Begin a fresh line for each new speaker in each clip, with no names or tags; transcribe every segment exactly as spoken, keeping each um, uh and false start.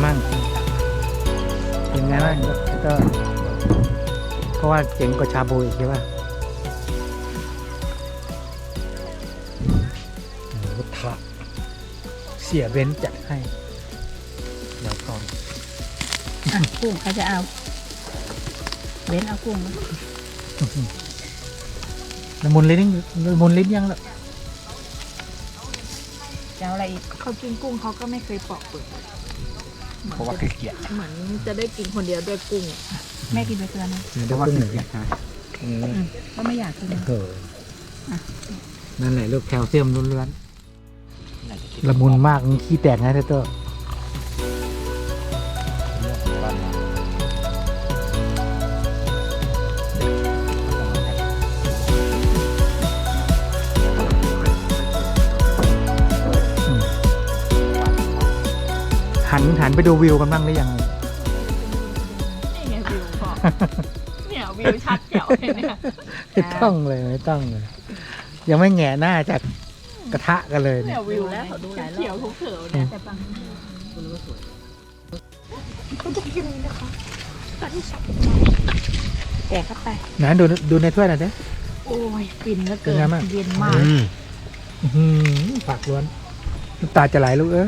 มั่งเป็นไงบ้างก็เพราะว่าเจ๋งกว่าชาบูอีกใช่ป่ะรถถักเสียเบนซ์จัดให้เดี๋ยวก่อน
อ่ะกุ้งเขาจะเอาเบ้นเอากุ้งนะ
ละมุนลิ้นละมุนลิ้นยังละ
จะเอาอะไรอีก
เขากินกุ้งเขาก็ไม่เคยปอกเปลือก
เพราะว่าเกลียด
เหมือนจะได้กินคนเดียวด้วยกุ้ง
แม่กินไปเกลือนะ
เพราะว่าเกลียดฮะ
อืมก็ไม่อยากกิน
เออนั่นแหละลูกแคลเซียมล้วนๆละมุนมากขี้แตกนะเต้อหันหันไปดูวิวกันบ้างหรือยัง
นี่ไงวิวพอ เนี่ยวิวชัดแจ๋วเลยเนี่ย
ไม่ต้องเลยไม่ต้องเลย ยังไม่แหงะหน้าจากกระทะกันเลย
เนี่
เนี่ย ย
วิวแล้วเขียวๆเขียวๆเนี่ย
แต่บาง
ก็จะกินนะคะตอนที่สับ
แกะเข้าไป
ไหนดูดูในถ้วยหน่อยดิ
โอ้ยฟินเหลือ
เป็
เกิ
น
น
ไงบ้าง
เย็นมาก
อื้อหือปากล้วนน้ำตาจะไหลลูกเอ้ย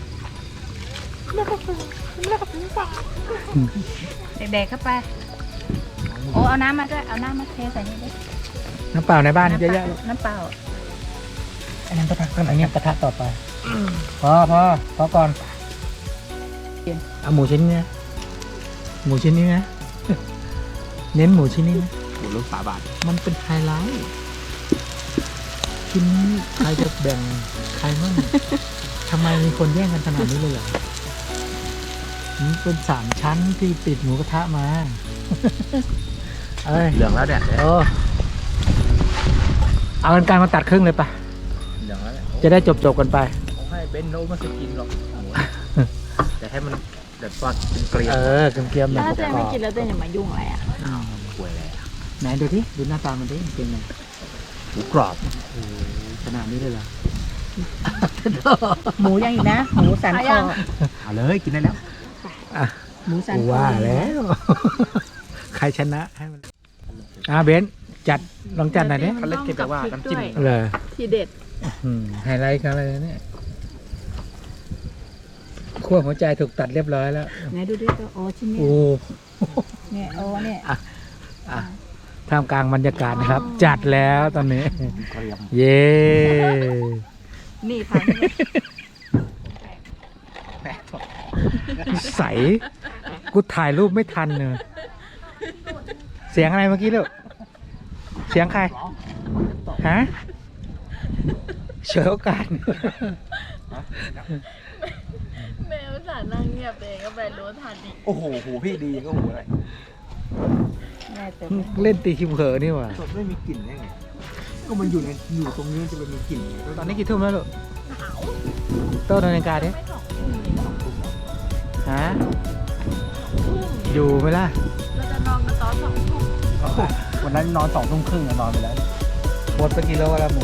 เด็กๆเข้าไปโอ้เอาน้ำมาด้วยเอาน้ำมาเทใส่นี่ด้วย
น้ำเปล่าในบ้านเยอะแยะลูก
น้ำเปล่า
อันนั้นกระทะกันอันนี้กระทะต่อไปพอพอพอก่อนเอาหมูชิ้นนี้นะหมูชิ้นนี้นะ เน้นหมูชิ้นนี้นะ
หมูลูกสาบาท
มันเป็นไฮไลท์ชิ้นนี้ใครจะแบ่งใครมั่งทำไมมีคนแย่งกันขนาดนี้เลยเหรอมันเป็นสามชั้นที่ติดหมูกระทะมา เอ้ย
เหลืองแล้วเนี่ย
เออเอากันไกลมาตัดครึ่งเลยปะ
เหลืองแล้วเนี่ย
จะได้จบจบๆกันไป
เขาให้เบนโนมาสกินหรอกหมูแต่ให้มันแบบซอสเป็นเกลียว
เออเกรียมๆหน่
ถ้า
อย
เจ๊ไม่กินแล้วเจ๊อย่ามายุ่งอะไรอ่ะ
ป่วยเลยอะ
ไหนดูที่ดูหน้าตามันดิเป็นไง
หมูกรอบ
โอ้ขนาดนี้เลยเหรอ
หมูยังอีกนะหมูสันคอ
เอาเลยกินได้แล้ว
อ่ะ
หมูสัน
กู
คอ
ว่าแล้ว ใครชนะให้มันอ่ะเบนซ์จัดลองจัดหน่อยดิ
เขาเล่นเกมแบบว่าน้ำจิ้ม
เลย
ทีเด็ด
อืมไฮไลท์กันเลยเนี่ยขั้วหัวใจถูกตัดเรียบร้อยแล้ว
ไหนดูดิตัวโอ้ชิ้นนี้
โอ้
เนี่ยโอ้เนี่ย
อ่ะท่ามกลางบรรยากาศนะครับ จัดแล้วตอนนี้
เกลียม
เย้
นี่พัน
ใสกูถ่ายรูปไม่ทันเลยเสียงอะไรเมื่อกี้ลูกเสียงใครฮะเฉยโอกาส
แม่ภาษานั่งเงียบเองก็ไปรู้ทันอีก
โอ้โหหูพี่ดีก็หูอะไร
แม่เต็ม
เล่นตีคิมเผลอนี่หว่า
สดไม่มีกลิ่นได้ไงก็มันอยู่ในอยู่ตรงนี้จะเป็นมีกลิ่นไง
ตอนนี้กี่ทุ่มแล้วลูกโต้นนาฬิกาดิ
ไม่สองทุ่มเลยเหรอ
ฮะอยู่ไหมล่ะ
เราจะนอนกันตอนสองทุ่ม
วันนั้นนอนสองทุ่มครึ่งนอนไปแล้ว
หมดไปกี่โลแล้วหมู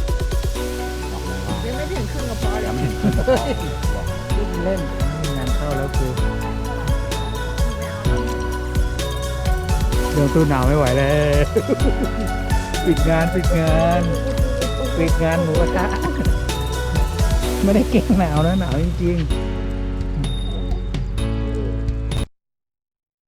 ยังไม่ถึงครึ่งกระเพาะเลย
เล่นมีงานเข้าแล้วกูเดี๋ยวตู้หนาวไม่ไหวแล้ว ปิดงานปิดงานปิดงานหมูกระทะไม่ได้เก่งหนาวนะหนาวจริงๆ